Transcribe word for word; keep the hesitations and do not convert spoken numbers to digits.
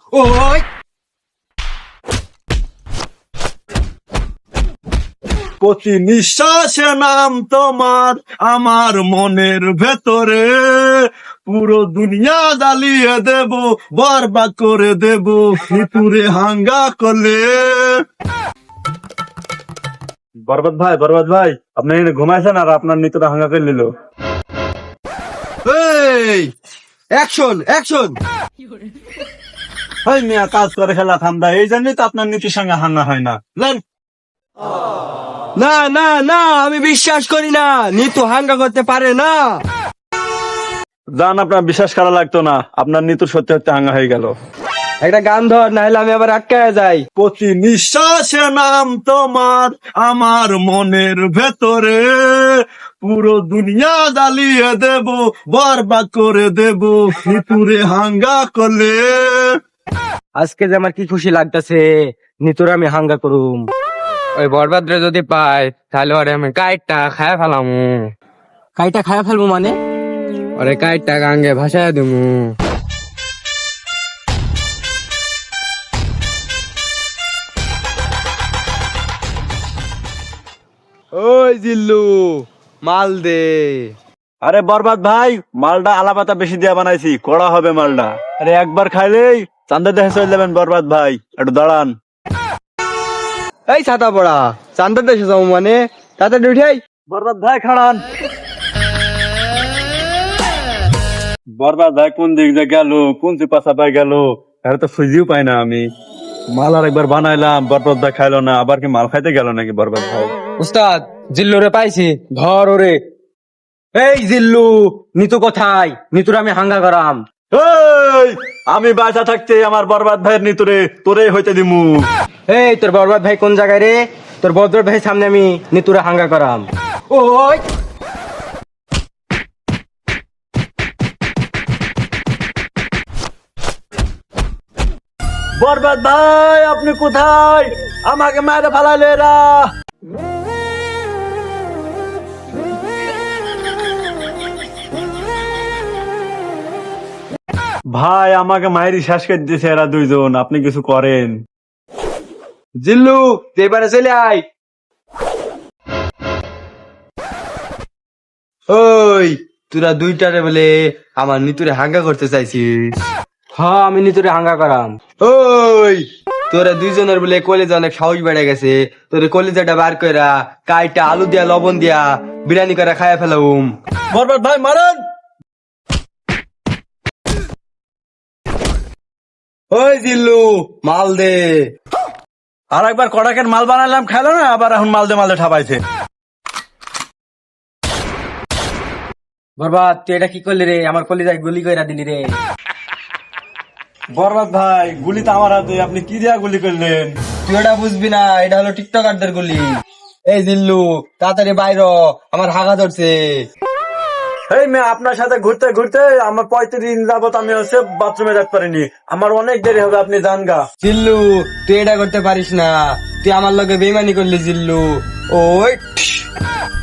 ওই প্রতি নিঃশ্বাসে নাম তোমার আমার মনের ভেতরে, পুরো দুনিয়া জ্বালিয়ে দেব, বরবাদ করে দেব ভিতুরে হাঙ্গা করলে। বরবাদ ভাই, বরবাদ ভাই, আপনি এখানে ঘুমাইছেন আর আপনার নিতটা হাঙ্গা করে নিল। এই অ্যাকশন অ্যাকশন। ভাই মিয়া, কাজ করে খেলা ঠান্ডা, এই জন্যই তো আপনার নীতির সঙ্গে হাঙ্গা হয় না। লেন। না না না, আমি বিশ্বাস করি না, নিতু হাঙ্গা করতে পারে না। জান, আপনার বিশ্বাস করা লাগতো না, আপনার নিতুর সত্যি সত্যি হাঙ্গা হয়ে গেল। একটা গান ধর, না হলে আমি আবার আটকায় যাই। প্রতি নিঃশ্বাসে নাম তোমার আমার মনের ভেতরে, পুরো দুনিয়া জ্বালিয়ে দেব, বরবাদ করে দেব ভিতুরে হাঙ্গা করলে। আজকে যে আমার কি খুশি লাগতেছে, নিতুর আমি হাঙ্গা করুম। ওই বরবাদরে যদি পাই তাহলে ওরে আমি কাইটটা খায়া ফেলামু। কাইটা খায়া ফেলবো মানে? ওরে কাইটটা গাঙ্গে ভাসায় দিমু। ওই জিল্লু, মাল দে। আরে বরবাদ ভাই, মালটা আলাপাতা বেশি দিয়া বানাইছি, কড়া হবে মালটা। আরে একবার খাইলেই চান্দা দেখে চলে যাবেন বরবাদ ভাই, একটু দাঁড়ান। এই ছাতা পড়া, চান্দার দেশে যাবো মানে? তাড়াতাড়ি উঠাই। বরবাদ ভাই খাড়ান। বরবাদ ভাই কোন দিক দিয়ে গেল, কোন চিপাশা পাই গেল, এর তো খুঁজিও পাই না আমি। মাল আর একবার বানাইলাম, বরবাদ ভাই খাইলো না, আবার কি মাল খাইতে গেল নাকি বরবাদ ভাই? উস্তাদ, জিল্লু রে পাইছি, ধর ওরে। এই জিল্লু, নিতু কোথায়? নিতুর আমি হাঙ্গা করাম। এই, আমি বাসা থাকতে আমার বরবাদ ভাইয়ের নিতুরে তোরে হইতে দিমু। এই তোর বরবাদ ভাই কোন জায়গায় রে? তোর বদর ভাই সামনে আমি নিতুরে হাঙ্গা করাম। ওই বরবাদ ভাই, আপনি কোথায়? আমাকে মায়েরা ফালাইলো এরা। ভাই, আমাকে মায়েরই শেষ করে দিয়েছে এরা দুইজন, আপনি কিছু করেন। জিল্লু, তুই এবারে চলে আয়। ওই তোরা দুইটারে বলে আমার নিতুরে হাঙ্গা করতে চাইছিস? হ্যাঁ, আমি নিতুরে হাঙ্গা করাম। ওই তোরা দুইজনের বলে কলেজে অনেক সাহস বেড়ে গেছে, তোর কলেজাটা বার কইরা কাইটা আলু দিয়া লবণ দিয়া বিরিয়ানি করে খাইয়া ফেলাম। বরবাদ ভাই মারেন। ওই জিল্লু, মাল দে। আর একবার কড়াকের মাল বানালাম, খেলো না, আবার এখন মাল দে মাল দে ঠাপাইছে। বরবাদ, তুই এটা কি করলি রে? আমার কলিজায় গুলি কইরা দিলি রে। বরবাদ ভাই, গুলি তো আমার হাতে, আপনি কি দিয়া গুলি করলেন? তুই এটা বুঝবি না, এটা হলো টিকটকারদের গুলি। এই জিল্লু, তাড়াতাড়ি বাইর হ, আমার হাগা ধরছে। এই মেয়ে, আপনার সাথে ঘুরতে ঘুরতে আমার পঁয়ত্রিশ দিন যাবত আমি হচ্ছে বাথরুমে যেতে পারিনি, আমার অনেক দেরি হবে, আপনি যান গা। জিল্লু, তুই এটা করতে পারিস না, তুই আমার লগে বেইমানি করলি জিল্লু। ওই